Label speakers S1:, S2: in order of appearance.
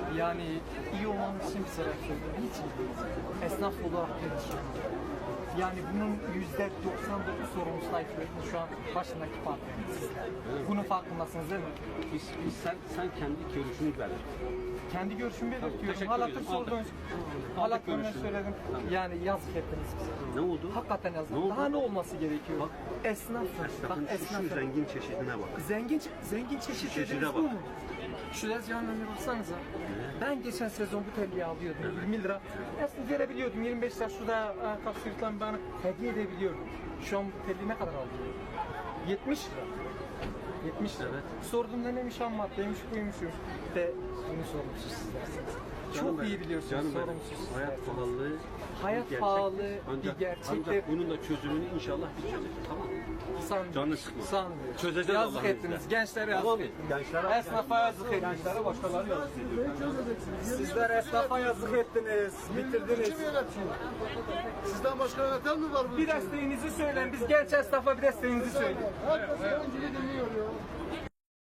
S1: Yani iyi olmanız için bir sebep söylüyorum. Hiç iyi değil. Esnaf olarak perişan. Yani bunun %99 sorumlusu Tayyip Bey'in şu an başındaki parti. Sizler. Bunun farkındasınız değil mi?
S2: Sen kendi görüşünü belir.
S1: Kendi görüşümü belirtiyorum.
S2: teşekkür
S1: Halatır
S2: ederim.
S1: sordunuz.
S2: Aldık
S1: Halatırını
S2: görüşünü.
S1: söyledim.
S2: Tamam.
S1: Yani yazık ettiniz bize.
S2: Ne oldu?
S1: Hakikaten yazık.
S2: Ne oldu?
S1: Daha ne olması gerekiyor?
S2: Bak,
S1: Esnaf.
S2: Esnafın şu zengin çeşidine bak.
S1: Zengin çeşit
S2: Çeşide
S1: dediğiniz
S2: bak.
S1: bu mu? Şu tezgahın önüne baksanıza. Ben geçen sezon bu telliyi alıyordum. 20 lira. Aslında verebiliyordum. 25 lira şurada kapsırıklan bana hediye edebiliyordum. Şu an bu telliyi ne kadar alıyor? 70 lira. 70 lira.
S2: Evet.
S1: Sorduğumda neymiş ham maddeymiş buymuş. De bunu sorumsuz sizlersiniz.
S2: Canım
S1: Çok
S2: benim,
S1: iyi biliyorsunuz
S2: canım benim.
S1: sorumsuz
S2: Hayat
S1: sizlersiniz.
S2: pahalılığı
S1: Hayat
S2: bir gerçek.
S1: pahalı
S2: Ancak,
S1: bir gerçek de-
S2: ancak bunun da çözümünü inşallah biz çözeceğiz. Tamam mı?
S1: Sanmıyorum.
S2: Canını sıkma.
S1: Sanmıyorum.
S2: Çözeceğiz
S1: Yazık
S2: Allah'ın
S1: ettiniz.
S2: izniyle.
S1: Gençlere yazık
S2: Tamam mı?
S1: ettiniz.
S2: Gençlere-
S1: Esnafa yazık ettiniz.
S2: Gençlere başkaları yazık ediyor.
S1: Sizler esnafa yazık ettiniz. Bitirdiniz.
S3: Kim yönetiyor? Sizden başka yöneten mi var bu
S1: Bir
S3: ülkede?
S1: desteğinizi söyleyin. Biz genç esnafa bir desteğinizi söyleyin.
S3: Herkes oyuncuyu dinliyor ya.